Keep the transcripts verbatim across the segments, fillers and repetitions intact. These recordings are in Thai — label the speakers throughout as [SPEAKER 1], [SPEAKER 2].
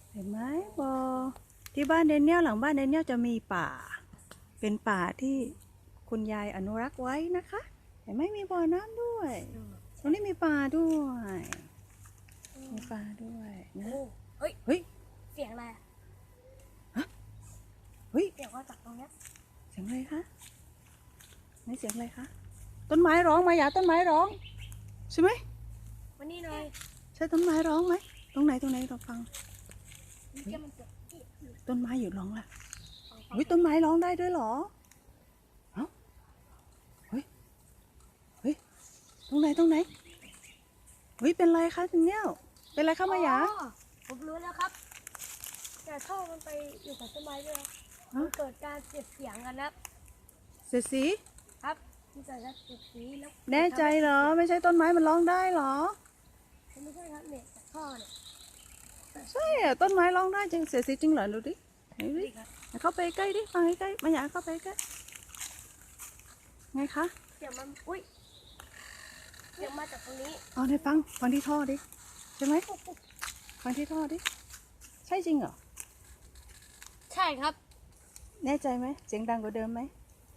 [SPEAKER 1] เห็นไหมบอที่บ้านเดนเนียลหลังบ้านเดนเนียลจะมีป่า เป็นป่าที่คุณยายอนุรักษ์ไว้นะคะ เห็นไหมมีบ่อน้ำด้วยตรงนี้มีปลาด้วยมีปลาด้วยนะ
[SPEAKER 2] เฮ้ย
[SPEAKER 1] เฮ้ย
[SPEAKER 2] เสียงอะไรอะ
[SPEAKER 1] เฮ้ย
[SPEAKER 2] เสียงว่าจากตรงเนี้ย
[SPEAKER 1] เสียงอะไรคะนี่เสียงอะไรคะต้นไม้ร้องมาอย่าต้นไม้ร้องใช่ไหม
[SPEAKER 2] วันนี้หน่อย
[SPEAKER 1] ใช่ต้นไม้ร้องไหมตรงไหนตรงไหนเราฟัง
[SPEAKER 2] นี่แกมันเกิดที่
[SPEAKER 1] ต้นไม้อยู่ร้องล่ะเฮ้ยต้นไม้ร้องได้ด้วยเหรอเอ้าเฮ้ยเฮ้ยตรงไหนตรงไหนเฮ้ยเป็นไรคะถึงเนี้ยเป็นไรคะมายา
[SPEAKER 2] อ๋อผมรู้แล้วครับ แต่ท่อมันไปอยู่กับต้นไม้ด้วยนะมันเกิดการเสียดเสียงกันนะครับ
[SPEAKER 1] เสียดสี
[SPEAKER 2] ครับมันเกิดการเสียดสีแล้ว
[SPEAKER 1] แน่ใจเหรอไม่ใช่ต้นไม้มันร้องได้เหรอ
[SPEAKER 2] ไม่ใช่ครับเนี่ยจากท่อเนี่ย
[SPEAKER 1] ใช่อะต้นไม้ร้องได้จริงเสียดสีจริงเหรอดูดิไหนดิ
[SPEAKER 2] นี่ครับ
[SPEAKER 1] เข้าไปใกล้ดิฟังใกล้ๆมายาเข้าไปใกล้ไงคะ
[SPEAKER 2] เสียงมันอุ้ยเสียงมาจากตรงนี้
[SPEAKER 1] เอาในฟังฟังที่ท่อดิใช่ไหมฟังที่ท่อดิใช่จริงเหรอ
[SPEAKER 2] ใช่ครับ
[SPEAKER 1] แน่ใจไหมเสียงดังกว่าเดิมไหม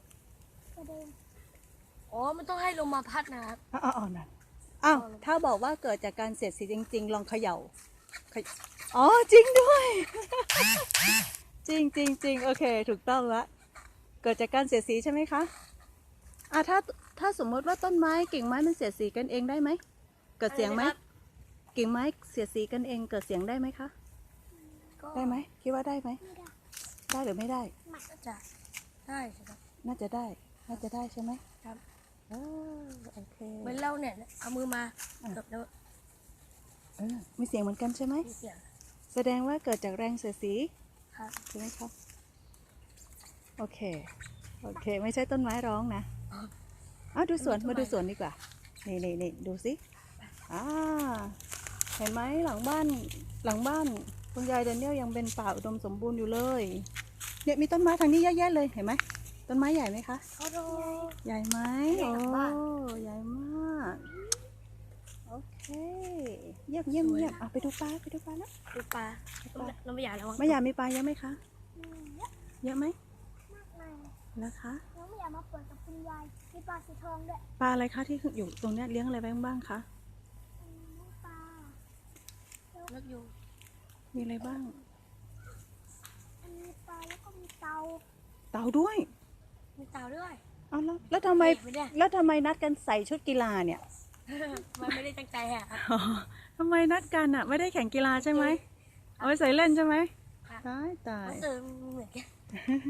[SPEAKER 2] อ๋อมันต้องให้ลมมาพัดนะครับ
[SPEAKER 1] อ้าวอ้าวนั่นอ้าวถ้าบอกว่าเกิดจากการเสียดสีจริง ๆ ลองเขย่าเขยอ๋อจริงด้วย จริงจริงจริงโอเค ถูกต้องละเกิดจากการเสียดสีใช่ไหมคะอ่ะถ้าถ้าสมมติว่าต้นไม้กิ่งไม้มันเสียดสีกันเองได้ไหมเกิดเสียงไหม
[SPEAKER 2] อะไรนะครับ
[SPEAKER 1] กิ่งไม้เสียดสีกันเองเกิดเสียงได้ไหมคะ
[SPEAKER 2] ก็
[SPEAKER 1] ได้ไหมคิดว่าได้ไหมได้หรือไม่ได้
[SPEAKER 2] น่าจะได้ใช่ครับ
[SPEAKER 1] น่าจะได้ น่าจะได้ใช่ไหม
[SPEAKER 2] ครับ
[SPEAKER 1] เออโอเค
[SPEAKER 2] เหมือนเราเนี่ยเอามือมาเกือบแล้ว
[SPEAKER 1] เออมีเสียงเหมือนกันใช่ไหม
[SPEAKER 2] มีเสียง
[SPEAKER 1] แสดงว่าเกิดจากแรงเสียดสี
[SPEAKER 2] ครับ
[SPEAKER 1] ใช่ไหมครับโอเคโอเค ไม่ใช่ต้นไม้ร้องนะเอาดูสวนมาดูสวนดีกว่านี่นี่นี่ดูสิอ่าเห็นไหมหลังบ้านหลังบ้านคุณยายเดนเนียลยังเป็นป่าอุดมสมบูรณ์อยู่เลยเนี่ยมีต้นไม้ทางนี้เยอะแยะเลยเห็นไหมต้นไม้ใหญ่ไหมคะ
[SPEAKER 2] เขาโด
[SPEAKER 1] ใหญ่ไหม
[SPEAKER 2] ใหญ่
[SPEAKER 1] โอ้
[SPEAKER 2] หลังบ้าน
[SPEAKER 1] ใหญ่มากโอเคเยี่ยมเยี่ยมเยี่ยมอ่ะไปดูปลาไปดูปลาแล้ว
[SPEAKER 2] ดูปลาเราไม่อยากระวัง
[SPEAKER 1] ไม่อยากมีปลาเยอะไหมคะเยอะไหม
[SPEAKER 3] มากมาย
[SPEAKER 1] แล้วคะ
[SPEAKER 3] น้องไม่อยากมาเปิดกับคุณยายมีปลาสีทองด้วย
[SPEAKER 1] ปลาอะไรคะที่อยู่ตรงเนี้ยเลี้ยงอะไรไว้บ้างคะ
[SPEAKER 3] อืมปลา
[SPEAKER 2] นกยูง
[SPEAKER 1] มีอะไรบ้าง
[SPEAKER 3] อันนี้ปลาแล้วก็มีเตา
[SPEAKER 1] เต่าด้วย
[SPEAKER 2] มีเต่าด้วย
[SPEAKER 1] เอาแล้วแล้วทำไม
[SPEAKER 2] ไม่ได้
[SPEAKER 1] แล้วทำไมนัดกันใส่ชุดกีฬาเนี่ย
[SPEAKER 2] มันไม่ได้ตั้งใจอะครับ
[SPEAKER 1] อ๋อทำไมนัดกันอ่ะ ไม่ได้แข่งกีฬาใช่ไหมเอาไว้ใส่เล่นใช่ไหม
[SPEAKER 2] ค่ะ
[SPEAKER 1] ตายตาย
[SPEAKER 2] มันเสริมเหมือนกัน